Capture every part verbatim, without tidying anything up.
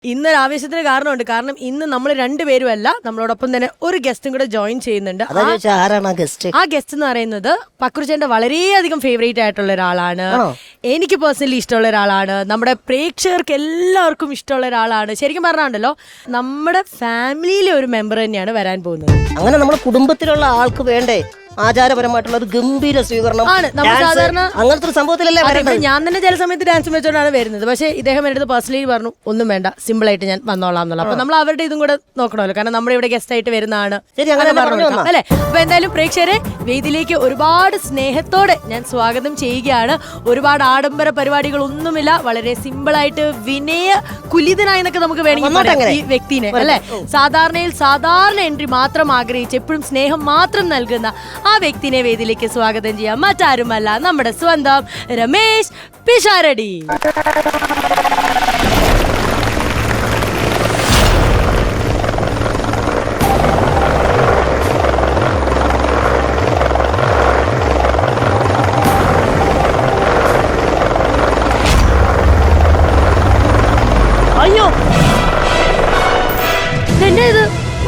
ഇന്നൊരു ആവേശത്തിന് കാരണമുണ്ട്. കാരണം ഇന്ന് നമ്മൾ രണ്ടുപേരുമല്ല, നമ്മളോടൊപ്പം തന്നെ ഒരു ഗസ്റ്റും കൂടെ ജോയിൻ ചെയ്യുന്നുണ്ട്. ആ ഗസ്റ്റ് എന്ന് പറയുന്നത് പക്രുചേട്ടന്റെ വളരെയധികം ഫേവറേറ്റ് ആയിട്ടുള്ള ഒരാളാണ്. എനിക്ക് പേഴ്സണലി ഇഷ്ടമുള്ള ഒരാളാണ്. നമ്മുടെ പ്രേക്ഷകർക്ക് എല്ലാവർക്കും ഇഷ്ടമുള്ള ഒരാളാണ്. ശരിക്കും പറഞ്ഞാണ്ടല്ലോ, നമ്മുടെ ഫാമിലിയിലെ ഒരു മെമ്പർ തന്നെയാണ് വരാൻ പോകുന്നത്. അങ്ങനെ നമ്മുടെ കുടുംബത്തിലുള്ള ആൾക്ക് വേണ്ടേ ആചാരപരമായിട്ടുള്ള ഒരു ഗംഭീര സ്വീകരണം ആണ്. നമ്മൾ സാധാരണ അങ്ങനത്തെ ഒരു സംഭവത്തിലല്ലേ വരുന്നത്. ഞാൻ തന്നെ ചില സമയത്ത് ഡാൻസ് വെച്ചോണ്ടാണ് വരുന്നത്. പക്ഷേ ഇദ്ദേഹം എൻ്റെ അടുത്ത് പേഴ്സണലി പറഞ്ഞു, ഒന്നും വേണ്ട, സിമ്പിൾ ആയിട്ട് ഞാൻ വന്നോളാം എന്നുള്ള. അപ്പൊ നമ്മൾ അവരുടെ ഇതും കൂടെ നോക്കണമല്ലോ, കാരണം നമ്മുടെ ഇവിടെ ഗസ്റ്റ് ആയിട്ട് വരുന്നതാണ് അല്ലെ. അപ്പൊ എന്തായാലും പ്രേക്ഷകരെ വേദിയിലേക്ക് ഒരുപാട് സ്നേഹത്തോടെ ഞാൻ സ്വാഗതം ചെയ്യുകയാണ്. ഒരുപാട് ആഡംബര പരിപാടികളൊന്നുമില്ല, വളരെ സിമ്പിൾ ആയിട്ട് വിനയ കുലിതനായി എന്നൊക്കെ നമുക്ക് വേണമെങ്കിൽ പറയാം ഈ വ്യക്തിനെ അല്ലെ. സാധാരണയിൽ സാധാരണ എൻട്രി മാത്രം ആഗ്രഹിച്ച് എപ്പോഴും സ്നേഹം മാത്രം നൽകുന്ന ആ വ്യക്തിനെ വേദിയിലേക്ക് സ്വാഗതം ചെയ്യാം. മറ്റാരുമല്ല, നമ്മുടെ സ്വന്തം രമേശ് പിഷാരടി. അയ്യോ എന്നെ ഇത്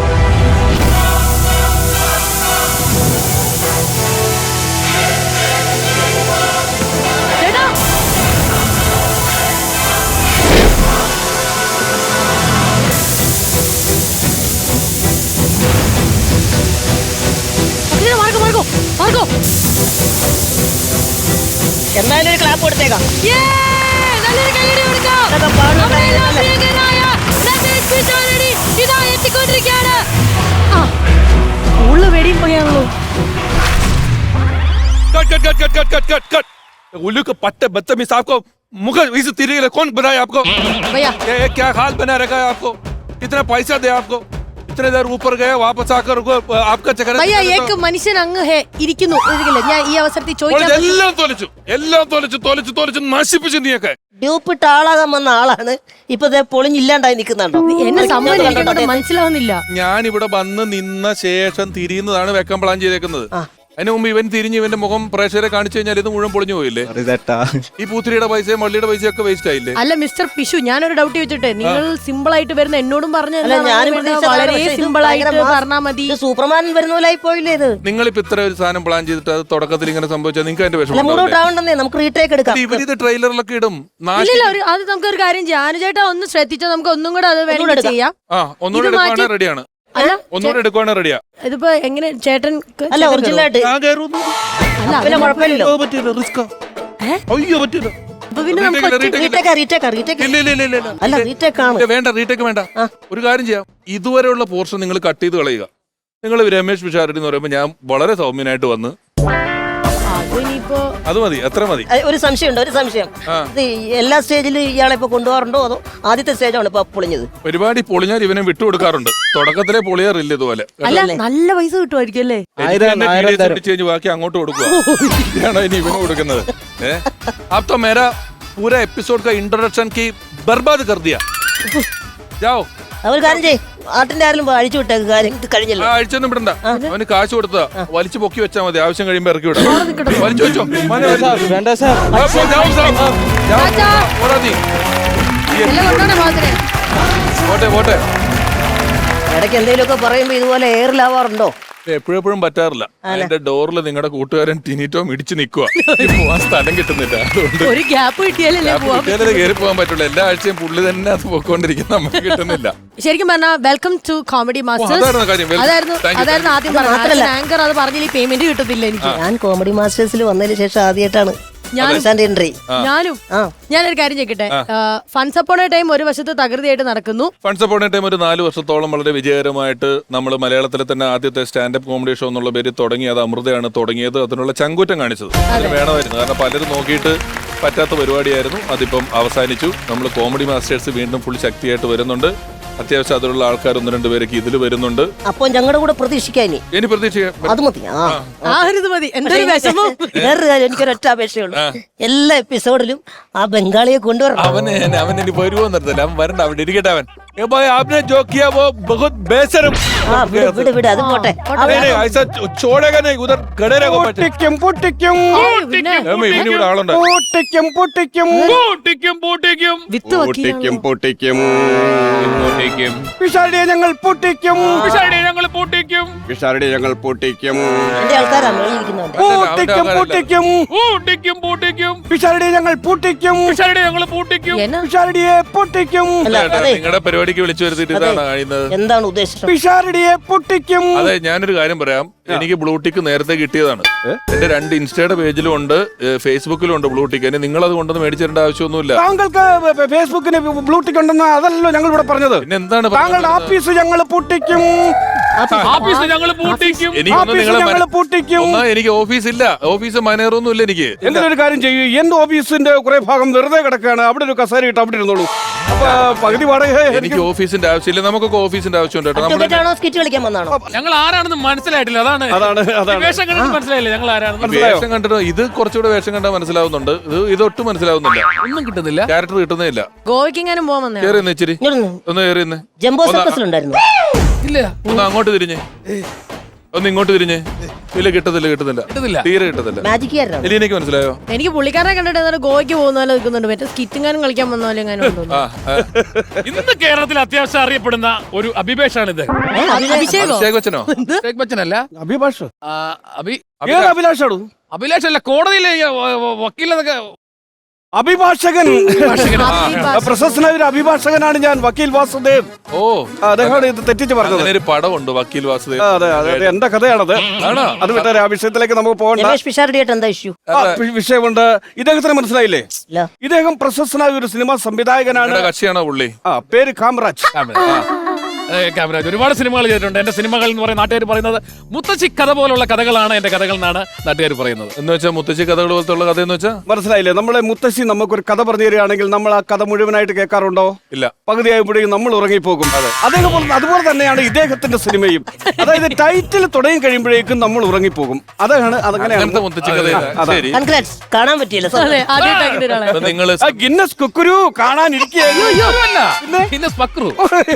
എന്തായാലും ഒരു ക്ലാപ്പ് കൊടുത്തേക്കാം. വെടിയും പോയാണല്ലോ. उल्लू के पट्टे बदतमीज आपको मुगल इस तरीके कौन बनाया आपको? भैया ये क्या हाल बना रखा है आपको? कितना पैसा दे आपको? इतने देर ऊपर गए वापस आकर आपका चक्कर. भैया एक മനുഷ്യൻ അങ്ങ് ഹേ ഇരിക്കുന്നു. ഞാൻ ഈ അവസരത്തിൽ ചോദിക്കാൻ എല്ലാം തോലിച്ചു എല്ലാം തോലിച്ചു തോലിച്ചു തോലിച്ചു നശിപ്പിച്ചു നീയൊക്കെ. ഡ്യൂപ്പിട്ട് ആളാകാൻ വന്ന ആളാണ് ഇപ്പൊ പൊളിഞ്ഞില്ലാണ്ടായി നിൽക്കുന്നുണ്ടോ? എന്നെ സംഭവം മനസ്സിലാവുന്നില്ല. ഞാൻ ഇവിടെ വന്ന് നിന്ന ശേഷം തിരിയുന്നതാണ് വെക്കാൻ പ്ലാൻ ചെയ്തേക്കുന്നത്. അതിന് മുമ്പ് ഇവൻ തിരിഞ്ഞ് ഇവന്റെ മുഖം പ്രേക്ഷകരെ കാണിച്ചു കഴിഞ്ഞാൽ ഇത് മുഴുവൻ പൊളിഞ്ഞു പോയില്ലേ? ഈ പൂത്തിരിയുടെ പൈസയും മള്ളിയുടെ പൈസയും ഒക്കെ വേസ്റ്റ് ആയില്ലേ? അല്ല മിസ്റ്റർ പിഷു, ഞാനൊരു ഡൗട്ട് ചോദിച്ചിട്ടെ, നിങ്ങൾ സിമ്പിൾ ആയിട്ട് വരുന്ന എന്നോടും പറഞ്ഞു വളരെ സിമ്പിൾ ആയിട്ട് പറഞ്ഞാൽ മതി. സൂപ്പർമാൻ വരുന്ന പോലെ ആയി പോയില്ലേ ഇത്? നിങ്ങളിപ്പോ ഇത്ര ഒരു സാധനം പ്ലാൻ ചെയ്തിട്ട് അത് തുടക്കത്തിൽ ഇങ്ങനെ സംഭവിച്ചാൽ നിങ്ങൾക്ക് അതിന്റെ വിഷമം നമുക്ക് റീടേക്ക് എടുക്കാം. ഇവരിത് ട്രെയിലറിലൊക്കെ ഇടും. അത് നമുക്ക് ഒരു കാര്യം ചെയ്യാം, അനുചേട്ടാ ഒന്ന് ശ്രദ്ധിച്ചാൽ നമുക്ക് ഒന്നും കൂടെ അത് വേണമെങ്കിൽ ചെയ്യാം. ആ ഒന്നുകൂടെ എടുക്കുവാണെങ്കിൽ റെഡിയാണ്. ഒന്നുകൂടെ എടുക്കുവാണെങ്കിൽ റെഡിയാ. ഇതിപ്പോ എങ്ങനെ ചേട്ടൻ അല്ല ഒറിജിനൽ ആയിട്ട് വേണ്ട റീടേക്ക് വേണ്ട. ഒരു കാര്യം ചെയ്യാം, ഇതുവരെയുള്ള പോർഷൻ നിങ്ങൾ കട്ട് ചെയ്ത് കളയുക. നിങ്ങൾ രമേശ് പിഷാരടി എന്ന് പറയുമ്പോൾ ഞാൻ വളരെ സൗമ്യനായിട്ട് വന്ന് അത് മതി, അത്ര മതി. ഒരു സംശയമുണ്ട്, ഒരു സംശയം. എല്ലാ സ്റ്റേജിലും ഇയാളെ ഇപ്പൊ കൊണ്ടുപോകാറുണ്ടോ അതോ ആദ്യത്തെ സ്റ്റേജാണ് ഇപ്പൊ പൊളിഞ്ഞത്? പരിപാടി പൊളിഞ്ഞാൽ ഇവനെ വിട്ടുകൊടുക്കാറുണ്ട്. തുടക്കത്തിലെ പൊളിയാറില്ല ഇതുപോലെ. നല്ല പൈസ കിട്ടുമായിരിക്കും അല്ലേ? ബാക്കി അങ്ങോട്ട് കൊടുക്കുക ഇനി ഇവന് കൊടുക്കുന്നത്. अब तो मेरा पूरा एपिसोड का इंट्रोडक्शन की बर्बाद कर दिया. जाओ. അവർ കാര്യം ചെയ്യ്, ആട്ടിന്റെ ആരെങ്കിലും അഴിച്ചു വിട്ടേക്ക്, കാര്യം ഇത് കഴിഞ്ഞല്ലോ. അഴിച്ചൊന്നും വിടണ്ട, അവന് കാശ് കൊടുത്താ വലിച്ചു പൊക്കി വെച്ചാൽ മതി. ആവശ്യം കഴിയുമ്പോ ഇറക്കി വിടാം. വലിച്ചു വെച്ചോ. പോട്ടെ പോട്ടെ. ഇടയ്ക്ക് എന്തെങ്കിലുമൊക്കെ പറയുമ്പോ ഇതുപോലെ എയറിലാവാറുണ്ടോ? എപ്പോഴെപ്പോഴും പറ്റാറില്ല. എന്റെ ഡോറിൽ നിങ്ങളുടെ കൂട്ടുകാരൻ ടിനിറ്റോ ഇടിച്ചു നിൽക്കുക, പോവാൻ സ്ഥലം കിട്ടുന്നില്ല. അതുകൊണ്ട് ഒരു ഗ്യാപ്പ് കിട്ടിയാലേ കയറി പോകാൻ പറ്റുള്ളൂ. എല്ലാ ആഴ്ചയും പുള്ളി തന്നെ അത് പോയിക്കൊണ്ടിരിക്കും, നമുക്ക് കിട്ടുന്നില്ല. ശരിക്കും പറഞ്ഞാൽ വെൽക്കം ടു കോമഡി മാസ്റ്റേഴ്സ് അതായിരുന്നു അതായിരുന്നു ആദ്യം പറഞ്ഞത്. ആങ്കർ അത് പറഞ്ഞില്ല, പേയ്മെന്റ് കിട്ടത്തില്ല എനിക്ക്. ഞാൻ കോമഡി മാസ്റ്റേഴ്സിൽ വന്നതിന് ശേഷം ആദ്യമായിട്ടാണ് ഞാനും ഞാനൊരു കാര്യം ചോദിക്കട്ടെ. ഫൺസ് അപ്പോൺ എ ടൈം ഒരു വശത്ത് തകൃതിയായിട്ട് നടക്കുന്നു. ഫൺസ് അപ്പോൺ എ ടൈം ഒരു നാല് വർഷത്തോളം വളരെ വിജയകരമായിട്ട് നമ്മൾ മലയാളത്തിലെ തന്നെ ആദ്യത്തെ സ്റ്റാൻഡപ്പ് കോമഡി ഷോ എന്നുള്ള പേര് തുടങ്ങി. അത് അമൃതയാണ് തുടങ്ങിയത്, അതിനുള്ള ചങ്കൂറ്റം കാണിച്ചത്. അതിന് വേണമായിരുന്നു, കാരണം പലരും നോക്കിയിട്ട് പറ്റാത്ത പരിപാടിയായിരുന്നു. അതിപ്പം അവസാനിച്ചു. നമ്മൾ കോമഡി മാസ്റ്റേഴ്സ് വീണ്ടും ഫുൾ ശക്തിയായിട്ട് വരുന്നുണ്ട്. അത്യാവശ്യം അതിലുള്ള ആൾക്കാർ ഒന്ന് രണ്ട് പേരൊക്കെ ഇതിൽ വരുന്നുണ്ട്. അപ്പൊ ഞങ്ങളുടെ കൂടെ പ്രതീക്ഷിക്കാൻ ഇനി പ്രതീക്ഷിക്കാം. അത് മതി, മതി. എന്തൊരു വിഷമം. വേറൊരു കാര്യം, എനിക്കൊരൊറ്റ അപേക്ഷയുള്ളൂ. എല്ലാ എപ്പിസോഡിലും ആ ബംഗാളിയെ കൊണ്ടുവരണം. അവന് അവൻ ഇനി വരുമോ നിർത്തില്ല. അവൻ വരണ്ട, അവിടെ ഇരിക്കട്ടെ. അവൻ ए भाई आपने जो किया वो बहुत बेशरम ആ വിട് വിട് വിട് അത് പോട്ടെ नहीं नहीं ऐसा छोड़ेगा नहीं उधर खड़े रहेगा പൊട്ടിക്കും പൊട്ടിക്കും ഇവനിവിടെ ആളുണ്ട് പൊട്ടിക്കും പൊട്ടിക്കും പൂട്ടിക്കും പൂട്ടിക്കും വിത്ത് പൊട്ടിക്കും പൊട്ടിക്കും പൂട്ടിക്കും പിഷാരടിയെ ഞങ്ങൾ പൊട്ടിക്കും പിഷാരടിയെ ഞങ്ങൾ പൂട്ടിക്കും പിഷാരടിയെ ഞങ്ങൾ പൊട്ടിക്കും എന്റെ ആൾക്കാരാണ് ഇരിക്കുന്നവന്റെ പൊട്ടിക്കും പൊട്ടിക്കും പൂട്ടിക്കും പൂട്ടിക്കും പിഷാരടിയെ ഞങ്ങൾ പൊട്ടിക്കും പിഷാരടിയെ ഞങ്ങൾ പൂട്ടിക്കും എന്നാ പിഷാരടിയെ പൊട്ടിക്കും അല്ല അതെ നിങ്ങളുടെ പരിപാടിക്ക് വിളിച്ചു വരുത്തിട്ട് ഇതാണ് കഴിയുന്നത് എന്താണ് ഉദ്ദേശം പിഷാരടിയെ പൊട്ടിക്കും അതെ ഞാനൊരു കാര്യം പറയാം എനിക്ക് ബ്ലൂടിക്ക് നേരത്തെ കിട്ടിയതാണ് എന്റെ രണ്ട് ഇൻസ്റ്റയുടെ പേജിലും ഉണ്ട് ഫേസ്ബുക്കിലും ഉണ്ട് ബ്ലൂടിക്ക് എന്നെ നിങ്ങൾ അത് കൊണ്ടൊന്ന് മേടിച്ചു തരേണ്ട ആവശ്യമൊന്നുമില്ല താങ്കൾക്ക് ഫേസ്ബുക്കിന് ബ്ലൂടിക് ഉണ്ടെന്ന് അതല്ലല്ലോ ഞങ്ങൾ ഇവിടെ പറഞ്ഞത് പിന്നെ എന്താണ് താങ്കളുടെ ആഫീസ് ഞങ്ങൾ പൊട്ടിക്കും ആഫീസ് ഞങ്ങൾ പൂട്ടിക്കും എനിക്കൊന്നും ആഫീസ് നിങ്ങളെ ഞങ്ങൾ പൊട്ടിക്കും ഒന്നാ എനിക്ക് ഓഫീസ് ഇല്ല ഓഫീസ് മാനേജറൊന്നും ഇല്ല എനിക്ക് എന്തെങ്കിലും ഒരു കാര്യം ചെയ്യൂ എന്റെ ഓഫീസിന്റെ കുറെ ഭാഗം വെറുതെ കിടക്കുകയാണ് അവിടെ ഒരു കസേര ഇട്ട് അവിടെ ഇരുന്നോളൂ അപ്പൊ പകുതി വാടക എനിക്ക് ഓഫീസിന്റെ ആവശ്യമില്ല നമുക്കൊക്കെ ഓഫീസിന്റെ ആവശ്യമുണ്ട് കേട്ടോ നമ്മുടെ ഒറ്റയ്ക്കാണോ സ്കിറ്റ് കളിക്കാൻ വന്നാണോ ഞങ്ങൾ ആരാണെന്ന് മനസ്സിലായിട്ടില്ല അതാണ് അതാണ് അതാണ് വേഷം കണ്ടിട്ട് മനസ്സിലായില്ലേ ഞങ്ങൾ ആരാണെന്ന് മനസ്സിലായോ? വേഷം കണ്ടിട്ട് ഇത് കുറച്ചുകൂടെ വേഷം കണ്ടാൽ മനസ്സിലാവുന്നുണ്ട് ഇത് ഇതൊട്ടും മനസ്സിലാവുന്നില്ല ഒന്നും കിട്ടുന്നില്ല ക്യാരക്ടർ കിട്ടുന്നേ ഇല്ല ഗോവയ്ക്കെങ്ങാനും പോകാൻ വന്നേ കേറി നിന്ന് ഇച്ചിരി ഇങ്ങോട്ട് ഒന്ന് കേറി നിന്ന് ജംബോ സർക്കസിലുണ്ടായിരുന്നു ഇല്ല ഒന്ന് അങ്ങോട്ട് തിരിഞ്ഞ് ഒന്ന് ഇങ്ങോട്ട് തിരിഞ്ഞ് ഇല്ല കിട്ടത്തില്ല കിട്ടുന്നില്ല കിട്ടുന്നില്ല. തീരെ കിട്ടത്തില്ല മാജിക്കാരനാണ് ഇല്ല എനിക്ക് മനസ്സിലായോ എനിക്ക് പുള്ളിക്കാരനെ കണ്ടിട്ട് ഏതാണ്ട് ഗോവയ്ക്ക് പോകുന്ന പോലെ നിൽക്കുന്നുണ്ട് മറ്റേ സ്കിറ്റിങ്ങാനും കളിക്കാൻ വന്ന പോലെ എങ്ങാനും ഉണ്ടോ ആ ആ. ഇന്ന് കേരളത്തിൽ അത്യാവശ്യം അറിയപ്പെടുന്ന ഒരു അഭിഭാഷാണിത് അഭിഷേകോ അഭിഷേക് ബച്ചനോ ഷേഖ് ബച്ചനല്ല അഭിഭാഷ് ആ, അഭി ഏത് അഭിലാഷാണോ അഭിലാഷ് അല്ല കോടതിയിലെ ഈ, വ- വ- വക്കീലെന്നൊക്കെ അഭിഭാഷകൻ പ്രശസ്തനായ ഒരു അഭിഭാഷകനാണ് ഞാൻ വക്കീൽ വാസുദേവ് ഓ അദ്ദേഹമാണ് ഇത് തെറ്റിച്ച് പറഞ്ഞത് അങ്ങനെ ഒരു പടമുണ്ട് വക്കീൽ വാസുദേവ് ആ, അതെ അതെ അതെ എന്റെ കഥയാണത് ആണോ? അത് വിട്ടാരെ ആ വിഷയത്തിലേക്ക് നമുക്ക് പോകണ്ട രമേഷ് പിഷാരടിയായിട്ട് എന്താ ഇഷ്യൂ ആ, വി- വിഷയമുണ്ട് ഇദ്ദേഹത്തിന് മനസ്സിലായില്ലേ ഇല്ല ഇദ്ദേഹം പ്രശസ്തനായ ഒരു സിനിമാ സംവിധായകനാണ് നിങ്ങളുടെ കക്ഷിയാണോ പുള്ളി ആ പേര് കാമറാജ് ക്യാമറാജ് ഒരുപാട് സിനിമകൾ ചെയ്തിട്ടുണ്ട് എന്റെ സിനിമകൾ എന്ന് പറയുന്ന നാട്ടുകാർ പറയുന്നത് മുത്തശ്ശി കഥ പോലുള്ള കഥകളാണ് എന്റെ കഥകൾ എന്നാണ് നാട്ടുകാർ പറയുന്നത് എന്ന് വെച്ചാൽ മുത്തശ്ശി കഥകൾ പോലത്തെ ഉള്ള കഥ എന്ന് വെച്ചാ മനസ്സിലായില്ലേ നമ്മളെ മുത്തശ്ശി നമുക്കൊരു കഥ പറഞ്ഞു തരികയാണെങ്കിൽ നമ്മൾ ആ കഥ മുഴുവനായിട്ട് കേൾക്കാറുണ്ടോ ഇല്ല പകുതിയായപ്പോഴേക്കും നമ്മൾ ഉറങ്ങിപ്പോകും അതേപോലെ അതുപോലെ തന്നെയാണ് ഇദ്ദേഹത്തിന്റെ സിനിമയും അതായത് ടൈറ്റിൽ തുടങ്ങി കഴിയുമ്പോഴേക്കും നമ്മൾ ഉറങ്ങിപ്പോകും അതാണ് അതങ്ങനെയാണ് അങ്ങനത്തെ മുത്തശ്ശി കഥ അതാ. ശരി കൺഗ്രാറ്റ്സ് കാണാൻ പറ്റിയില്ല അതെ ആദ്യമായിട്ട് അങ്ങനെ ഒരാളെ അപ്പൊ നിങ്ങള് ആ ഗിന്നസ് കുക്കുരു കാണാനിരിക്കുകയായിരുന്നു ഒന്നുമല്ല. പിന്നെ സ്പക്രു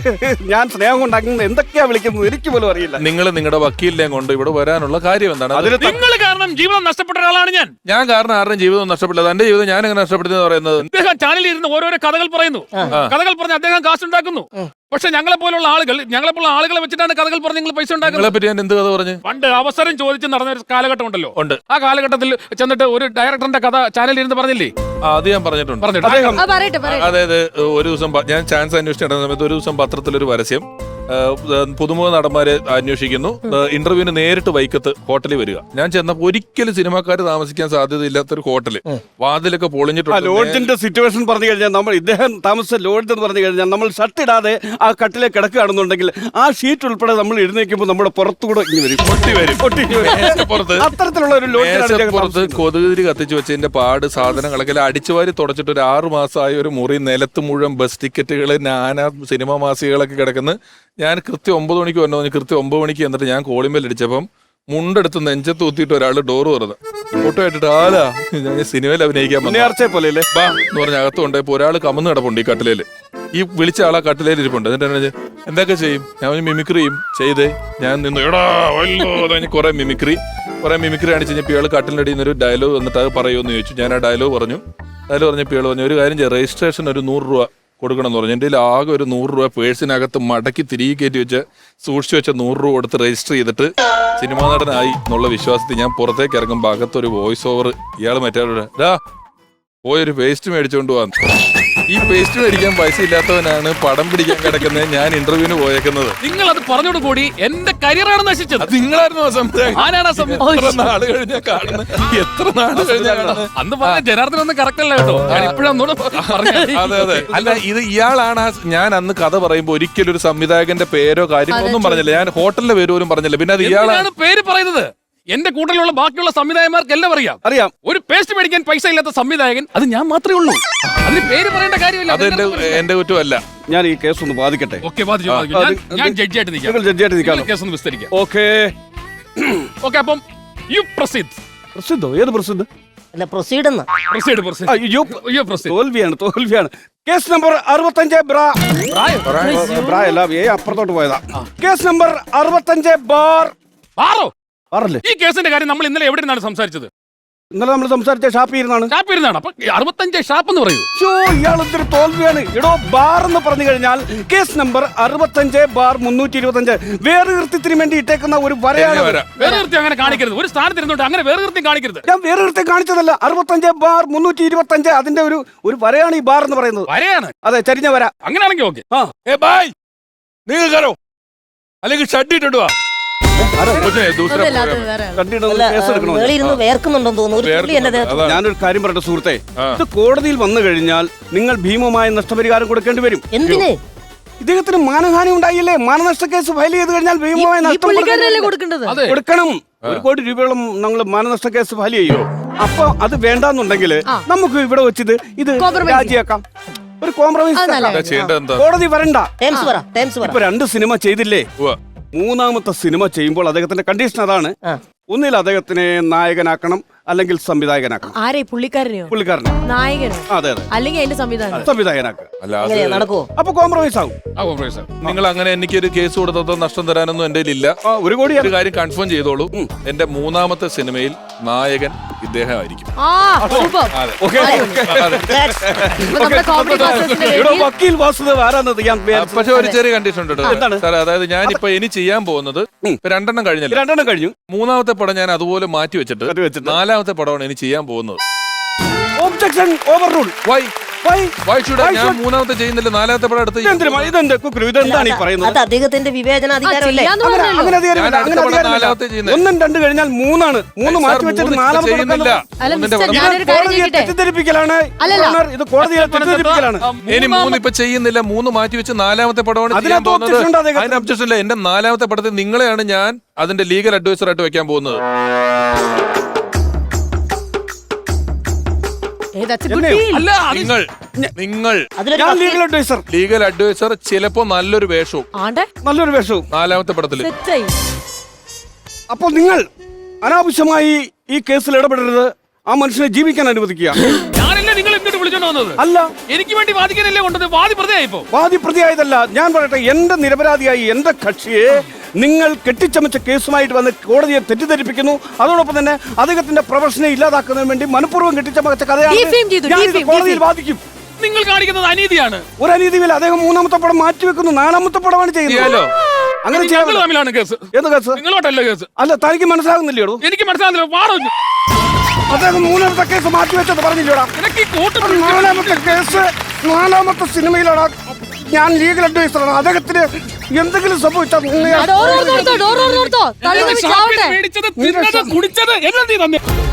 ഞാൻ സ്നേഹം കൊണ്ട് അങ്ങനെ എന്തൊക്കെയാ വിളിക്കുന്നത് എനിക്ക് പോലും അറിയില്ല നിങ്ങൾ നിങ്ങളുടെ വക്കീലിനെയും കൊണ്ട് ഇവിടെ വരാനുള്ള കാര്യം എന്താണ് അത് അതിന് നിങ്ങൾ കാരണം ജീവിതം നഷ്ടപ്പെട്ട ഒരാളാണ് ഞാൻ ഞാൻ കാരണം ആരുടെയും ജീവിതം നഷ്ടപ്പെട്ടത് എന്റെ ജീവിതം ഞാൻ എങ്ങനെ നഷ്ടപ്പെടുന്നത് പറയുന്നത് അദ്ദേഹം ചാനലിൽ ഇരുന്ന് ഓരോരോ കഥകൾ പറയുന്നു കഥകൾ പറഞ്ഞ് അദ്ദേഹം കാശുണ്ടാക്കുന്നു പക്ഷെ ഞങ്ങളെ പോലുള്ള ആളുകൾ ഞങ്ങളെ പോലുള്ള ആളുകളെ വെച്ചിട്ടാണ് കഥകൾ പറഞ്ഞ് നിങ്ങൾ പൈസ നിങ്ങളെ ഉണ്ടാക്കുന്നത് പറ്റി ഞാൻ എന്ത് കഥ പറഞ്ഞു പണ്ട് അവസരം ചോദിച്ച് നടന്ന ഒരു കാലഘട്ടം ഉണ്ടല്ലോ ഉണ്ട് ആ കാലഘട്ടത്തിൽ ചെന്നിട്ട് ഒരു ഡയറക്ടറിന്റെ കഥ ചാനലിൽ ഇരുന്ന് പറഞ്ഞില്ലേ ആ, അത് ഞാൻ പറഞ്ഞിട്ടുണ്ട് പറഞ്ഞിട്ട് അദ്ദേഹം ആ പറയട്ടെ പറയട്ടെ അതായത് ഒരു ദിവസം പ- ഞാൻ ചാൻസ് അന്വേഷിച്ച് നടന്ന സമയത്ത് ഒരു ദിവസം പത്രത്തിലൊരു പരസ്യം ആ, പുതുമുഖ നടന്മാരെ അന്വേഷിക്കുന്നു ഇന്റർവ്യൂവിന് നേരിട്ട് വൈക്കത്ത് ഹോട്ടലിൽ വരിക ഞാൻ ചെന്നപ്പോൾ ഒരിക്കലും സിനിമാക്കാർ താമസിക്കാൻ സാധ്യതയില്ലാത്തൊരു ഹോട്ടല് വാതിലൊക്കെ ആ പൊളിഞ്ഞിട്ടുണ്ട് ലോഡ്ജിന്റെ സിറ്റുവേഷൻ പറഞ്ഞു കഴിഞ്ഞാൽ നമ്മൾ ഇദ്ദേഹം താമസിച്ച ലോഡ്ജ് എന്ന് പറഞ്ഞു കഴിഞ്ഞാൽ നമ്മൾ ഷർട്ട് ഇടാതെ ആ കട്ടിലെ കിടക്കുകയാണെന്നുണ്ടെങ്കിൽ ആ ഷീറ്റ് ഉൾപ്പെടെ നമ്മൾ എഴുന്നേക്കുമ്പോൾ നമ്മുടെ പുറത്തുകൂടെ ഇങ്ങനെ വരും പൊട്ടി വരും പൊട്ടി വരും. മേശപ്പുറത്ത് അത്തരത്തിലുള്ള ഒരു ലോഡ്ജിലാണ് ഇദ്ദേഹം മേശപ്പുറത്ത് താമസിക്കുന്നത്. കൊതുകുതിരി കത്തിച്ചു വെച്ചതിന്റെ പാട് സാധനങ്ങളൊക്കെ എല്ലാം അടിച്ചുവാരി തുടച്ചിട്ട് ഒരു ആറു മാസമായ ഒരു മുറി നിലത്ത് മുഴുവൻ ബസ് ടിക്കറ്റുകൾ നാനാ സിനിമ മാസികകളൊക്കെ കിടക്കുന്നു ഞാൻ കൃത്യം ഒമ്പത് മണിക്ക് വന്നു പറഞ്ഞു കൃത്യം ഒമ്പത് മണിക്ക് എന്നിട്ട് ഞാൻ കോളിമ്പൽ അടിച്ചപ്പം മുണ്ടെടുത്ത് നെഞ്ചത്ത് ഊത്തിയിട്ട് ഒരാൾ ഡോറ് തുറന്ന് ഫോട്ടോ ഇട്ടിട്ട് ആലാ ഞാൻ സിനിമയിൽ അഭിനയിക്കാൻ വന്നതാ. നേർച്ചയെ പോലെ അല്ലേ ബാ എന്ന് പറഞ്ഞ അകത്ത് കൊണ്ടുപോയപ്പോ ഒരാൾ കമന്ന് കിടപ്പുണ്ട് ഈ കട്ടിലേല് ഈ വിളിച്ച ആളാ കട്ടിലേൽ ഇരിപ്പുണ്ട് എന്നിട്ട് എന്നെ ചോദിച്ചു, എന്തൊക്കെ ചെയ്യും ഞാൻ പറഞ്ഞു, മിമിക്രി ചെയ്യും ചെയ്തേ ഞാൻ നിന്ന് എടാ വല്ലോ എന്ന് കുറെ മിമിക്രി കുറെ മിമിക്രി കാണിച്ച് കഴിഞ്ഞപ്പോൾ ഇയാൾ കട്ടിലിൻ്റെ ഒരു ഡയലോഗ് വന്നിട്ട് അത് പറയുമെന്ന് ചോദിച്ചു ഞാൻ ആ ഡയലോഗ് പറഞ്ഞു ഡയലോഗ് പറഞ്ഞപ്പോൾ ഇയാൾ പറഞ്ഞു ഒരു കാര്യം ചെയ്യാം രജിസ്ട്രേഷൻ ഒരു നൂറ് രൂപ കൊടുക്കണം എന്ന് പറഞ്ഞു എൻ്റെ കയ്യിൽ ആകെ ഒരു നൂറ് രൂപ പേഴ്സിനകത്ത് മടക്കി തിരികെ കയറ്റി വെച്ച് സൂക്ഷിച്ചു വെച്ച നൂറ് രൂപ കൊടുത്ത് രജിസ്റ്റർ ചെയ്തിട്ട് സിനിമാ നടനായി എന്നുള്ള വിശ്വാസത്തിൽ ഞാൻ പുറത്തേക്ക് ഇറങ്ങുമ്പോൾ അകത്തൊരു വോയിസ് ഓവർ ഇയാൾ മറ്റേ ഡാ പോയൊരു പേസ്റ്റ് മേടിച്ചോണ്ട് പോവാന്ന് ഈ പേസ്റ്റ് മേടിക്കാൻ പൈസ ഇല്ലാത്തവനാണ് പടം പിടിക്കാൻ കിടക്കുന്നത് ഞാൻ ഇന്റർവ്യൂവിന് പോയേക്കുന്നത് നിങ്ങൾ അത് പറഞ്ഞോട് കൂടി എന്റെ കരിയറാണ് നശിച്ചത് അത് നിങ്ങളായിരുന്നു ആ സംവിധായകൻ. ആരാണ് ആ സമയം എത്ര നാള് കഴിഞ്ഞാ കാണുന്നത് എത്ര നാള് കഴിഞ്ഞാ കാണുന്നത് അന്ന് പറഞ്ഞ ജനാർദ്ദൻ ഒന്നും കറക്റ്റ് അല്ല കേട്ടോ ഞാൻ ഇപ്പോഴൊന്നും അതെ അതെ അല്ല ഇത് ഇയാളാണ് ആ- ഞാൻ അന്ന് കഥ പറയുമ്പോ ഒരിക്കലും ഒരു സംവിധായകന്റെ പേരോ കാര്യങ്ങളോ ഒന്നും പറഞ്ഞില്ല ഞാൻ ഹോട്ടലിന്റെ പേര് പോലും പറഞ്ഞില്ല പിന്നെ അത് ഇയാളാണ് എന്തിനാണ് പേര് പറയുന്നത് എന്റെ കൂട്ടത്തിലുള്ള ബാക്കിയുള്ള സംവിധായകന്മാർക്ക് എല്ലാം അറിയാം അറിയാം ഒരു പേസ്റ്റ് മേടിക്കാൻ പൈസ ഇല്ലാത്ത സംവിധായകൻ അത് ഞാൻ മാത്രമേ ഉള്ളൂ അതിന് പേര് പറയേണ്ട കാര്യമില്ല അത് എന്റെ എന്റെ കുറ്റമല്ല ഞാൻ ഈ കേസ് ഒന്ന് ബാധിക്കട്ടെ ഓക്കെ ബാധിച്ചു ബാധിച്ചു. ഞാൻ- ഞാൻ ജഡ്ജിയായിട്ട് നിൽക്കാം നിങ്ങൾ ജഡ്ജിയായിട്ട് നിൽക്കാമോ കേസ് ഒന്ന് വിസ്തരിക്കാം ഓക്കെ ഓക്കെ അപ്പം യു പ്രസിദ്ധ് പ്രസിദ്ധോ ഏത് പ്രസിദ്ധ അല്ല പ്രൊസീഡ് എന്നാ പ്രൊസീഡ് പ്രൊസീഡ് അയ്യോ അയ്യോ പ്രൊസീഡ് തോൽവിയാണ് തോൽവിയാണ് കേസ് നമ്പർ അറുപത്തഞ്ച് ബ്രാ ബ്രാ അല്ല ഏ അപ്പുറത്തോട്ട് പോയതാ കേസ് നമ്പർ അറുപത്തഞ്ച് ബാർ ആറോ ബാറല്ലേ ഈ കേസിന്റെ കാര്യം നമ്മൾ ഇന്നലെ എവിടെ നിന്നാണ് സംസാരിച്ചത്? ഇന്നലെ നമ്മൾ സംസാരിച്ച ഷാപ്പിൽ ഇരുന്നാണ് ഷാപ്പ് ഇരുന്നാണ്. അപ്പൊ അറുപത്തഞ്ച് ഷാപ്പ് എന്ന് പറയൂ. ഷോ ഇയാൾ എന്തൊരു തോൽവിയാണ്. എടോ ബാർ എന്ന് പറഞ്ഞു കഴിഞ്ഞാൽ കേസ് നമ്പർ അറുപത്തഞ്ച് ബാർ മുന്നൂറ്റി ഇരുപത്തഞ്ച് വേറെ കൃത്യത്തിന് വേണ്ടി ഇട്ടേക്കുന്ന ഒരു വരയാണ്. വേറെ കൃത്യം അങ്ങനെ കാണിക്കരുത്. ഒരു സ്ഥാനത്ത് ഇരുന്നോട്ട് അങ്ങനെ വേറെ കൃത്യം കാണിക്കരുത്. ഞാൻ വേറെ കൃത്യം കാണിച്ചതല്ല. അറുപത്തഞ്ച് ബാർ മുന്നൂറ്റി ഇരുപത്തഞ്ച് അതിന്റെ ഒരു ഒരു വരയാണ് ഈ ബാർ എന്ന് പറയുന്നത്. വരയാണ്. അതെ, ചരിഞ്ഞ വര. അങ്ങനെയാണെങ്കിൽ ഓക്കെ. ആ ഏ ബായ് നിങ്ങൾ കയറോ അല്ലെങ്കിൽ ഷഡ് ഇട്ടിട്ട് വാ. അതല്ല, അത് വേറെ ആള്. കണ്ടിട്ട് അല്ല കേസ് എടുക്കണോ? മേളിൽ ഇരുന്ന് വേർക്കുന്നുണ്ടെന്ന് തോന്നുന്നു ഒരു തുള്ളി എന്റെ ദേഹത്ത്. ഞാനൊരു കാര്യം പറയട്ടെ സുഹൃത്തെ, ഇത് കോടതിയിൽ വന്നു കഴിഞ്ഞാൽ നിങ്ങൾ ഭീമമായ നഷ്ടപരിഹാരം കൊടുക്കേണ്ടി വരും. എന്തിന്? ഇദ്ദേഹത്തിന് മാനഹാനി ഉണ്ടായില്ലേ? മാനനഷ്ട കേസ് ഫയൽ ചെയ്ത് കഴിഞ്ഞാൽ ഭീമമായ ഈ നഷ്ടം പുള്ളിക്കാരനല്ലേ കൊടുക്കേണ്ടത്? അതെ. കൊടുക്കണം. ഒരു കോടി രൂപയോളം നമ്മൾ മാനനഷ്ട കേസ് ഫയൽ ചെയ്യും. അപ്പൊ അത് വേണ്ടാന്നുണ്ടെങ്കിൽ നമുക്ക് ഇവിടെ വെച്ചിത് ഇത് Compromise രാജിയാക്കാം. ഒരു കോംപ്രമൈസ് അത് നല്ലതാ. ചെയ്യേണ്ടത് എന്താ? കോടതി വരണ്ട. ടേംസ് പറ ടേംസ് പറ ഇപ്പൊ രണ്ട് സിനിമ ചെയ്തില്ലേ? ഉവ്വ. മൂന്നാമത്തെ സിനിമ ചെയ്യുമ്പോൾ അദ്ദേഹത്തിന്റെ കണ്ടീഷൻ അതാണ്. ആ. ഒന്നിൽ അദ്ദേഹത്തിനെ നായകനാക്കണം, അല്ലെങ്കിൽ സംവിധായകനാക്കണം. ആരെ പുള്ളിക്കാരനെയോ പുള്ളിക്കാരനെ നായകനോ അതെ അതെ അല്ലെങ്കിൽ അതിന്റെ സംവിധാനം? സംവിധായകനാക്കുക. അല്ലാതെ എങ്ങനെയാ നടക്കുവോ? അപ്പൊ കോംപ്രമൈസ് ആകും. ആ, കോംപ്രമൈസ്. നിങ്ങൾ അങ്ങനെ എനിക്കൊരു കേസ് കൊടുത്തതോ നഷ്ടം തരാനൊന്നും എന്റെ ഇല്ല. ആ, ഒരു കോടി ഒരു കാര്യം കൺഫേം ചെയ്തോളൂ, എന്റെ മൂന്നാമത്തെ സിനിമയിൽ നായകൻ ഇദ്ദേഹമായിരിക്കും. ആ സൂപ്പർ. ഓക്കെ. ഇപ്പൊ നമ്മുടെ കോമഡി മാസ്റ്റേഴ്സിന്റെ ഇവിടെ വേദിയിൽ വക്കീൽ വാസുദേവ് ആരാന്നത് ഞാൻ വിചാരിച്ചു. പക്ഷെ ഒരു ചെറിയ കണ്ടീഷൻ ഉണ്ട് കേട്ടോ. എന്താണ്? സാറേ, അതായത് ഞാൻ ഇപ്പൊ ഇനി ചെയ്യാൻ പോകുന്നത് ഇപ്പൊ രണ്ടെണ്ണം കഴിഞ്ഞല്ലോ. രണ്ടെണ്ണം കഴിഞ്ഞു. മൂന്നാമത്തെ പടം ഞാൻ അതുപോലെ മാറ്റി വെച്ചിട്ട് മാറ്റി വെച്ചിട്ട്. നാലാമത്തെ പടമാണ് ഇനി ചെയ്യാൻ പോകുന്നത്. Objection overrule. Why why why should ഞാൻ മൂന്നാമത്തെ ചെയ്യുന്നില്ല നാലാമത്തെ പടം എടുത്ത് ഇതെന്തിനാ? ഇതെന്ത് കുക്കുരു? ഇതെന്താണ് ഈ പറയുന്നത്? അത് അദ്ദേഹത്തിന്റെ വിവേചനാധികാരമല്ലേ? ചെയ്യാന്ന് അങ്ങനെ പറഞ്ഞല്ലോ. അങ്ങനെ അധികാരമില്ല. ഞാൻ അങ്ങനെ അടുത്ത പടം അധികാരമില്ല. നാലാമത്തെ ചെയ്യുന്നത്. ഒന്നും രണ്ട് കഴിഞ്ഞാൽ മൂന്നാണ്. മൂന്ന് മാറ്റി വെച്ചിട്ട് നാലാമത്തെ ചെയ്യുന്നില്ല. അല്ല ഒന്നിന്റെ മിസ്റ്റർ, പടം. ഞാനൊരു കാര്യം കോടതിയെ ചോദിക്കട്ടെ? തെറ്റിദ്ധരിപ്പിക്കലാണ്. അല്ലല്ല. ഓണർ, ഇത് കോടതിയെ തെറ്റിദ്ധരിപ്പിക്കലാണ്. ഇനി മൂന്ന് ഇപ്പൊ ചെയ്യുന്നില്ല, മൂന്ന് മാറ്റി വെച്ച് നാലാമത്തെ പടമാണ് ചെയ്യാൻ അതിനകത്ത് പോകുന്നത്. objection ഉണ്ട് അദ്ദേഹത്തിന്. അതിന് ഒബ്ജക്ഷൻ ഇല്ല. എന്റെ നാലാമത്തെ പടത്തിൽ നിങ്ങളെയാണ് ഞാൻ അതിന്റെ ലീഗൽ അഡ്വൈസർ ആയിട്ട് വെക്കാൻ പോകുന്നത്. ഏ, that's a good എന്നെയോ? deal. അല്ല അത് നിങ്ങൾ നിങ്ങൾ അതിലൊരു ഞാൻ വക്കീൽ- ലീഗൽ അഡ്വൈസർ. ലീഗൽ അഡ്വൈസർ ചിലപ്പോ നല്ലൊരു വേഷവും ആണ്ടെ നല്ലൊരു വേഷവും. നാലാമത്തെ പടത്തിൽ. സെറ്റായി. അപ്പോൾ നിങ്ങൾ അനാവശ്യമായി ഈ കേസിൽ ഇടപെടരുത്. ആ മനുഷ്യനെ ജീവിക്കാൻ അനുവദിക്കുക. ഞാനല്ലേ നിങ്ങൾ എന്നിട്ട് വിളിച്ചോണ്ട് വന്നത്? അല്ല, എനിക്ക് വേണ്ടി വാദിക്കാനല്ലേ കൊണ്ടത്? വാദി പ്രതിയായിപ്പോ. വാദി പ്രതിയായതല്ല. ഞാൻ പറയട്ടെ, എന്റെ നിരപരാധിയായി എന്റെ കക്ഷിയെ നിങ്ങൾ കെട്ടിച്ചമച്ച കേസുമായിട്ട് വന്ന് കോടതിയെ തെറ്റിദ്ധരിപ്പിക്കുന്നു. അതോടൊപ്പം തന്നെ അദ്ദേഹത്തിന്റെ പ്രൊഫഷനെ ഇല്ലാതാക്കുന്നതിന് വേണ്ടി മനഃപൂർവ്വം കെട്ടിച്ചമച്ച കഥയാണ്. Defame ചെയ്തു, ഞാൻ ഇത് defame, കോടതിയിൽ defame. വാദിക്കും. നിങ്ങൾ കാണിക്കുന്നത് അനീതിയാണ്. ഒരു അനീതിയില്ല. അദ്ദേഹം മൂന്നാമത്തെ പടം മാറ്റിവെക്കുന്നു, നാലാമത്തെ പടമാണ് ചെയ്യുന്നത്. ചെയ്യാലോ? അങ്ങനെ ഞങ്ങൾ ചെയ്യാൻ തമ്മിലാണ് കേസ്. ഏത് കേസ്? നിങ്ങളോട്ടല്ല കേസ്. അല്ല, തനിക്ക് മനസ്സിലാകുന്നില്ലേടോ? എനിക്ക് മനസ്സിലാകുന്നില്ല. വാടോ അദ്ദേഹം മൂന്നാമത്തെ കേസ് മാറ്റിവെച്ചത് പറഞ്ഞില്ലേടാ? എനിക്ക് ഈ കൂട്ടം അത് നാലാമത്തെ കേസ് നാലാമത്തെ സിനിമയിലാണ്. ഞാൻ ലീഗൽ അഡ്വൈസറാണ്. അദ്ദേഹത്തിന് എന്തെങ്കിലും സംഭവിച്ചാൽ ആ, ഡോർ ഓർത്തോർത്തോ, ഡോർ ഓർത്തോർത്തോ. തള്ളി ഷാപ്പിൽ ചാവട്ടെ. മേടിച്ചത്, തിന്നത്, കുടിച്ചത് എല്ലാം നീ തന്നെ.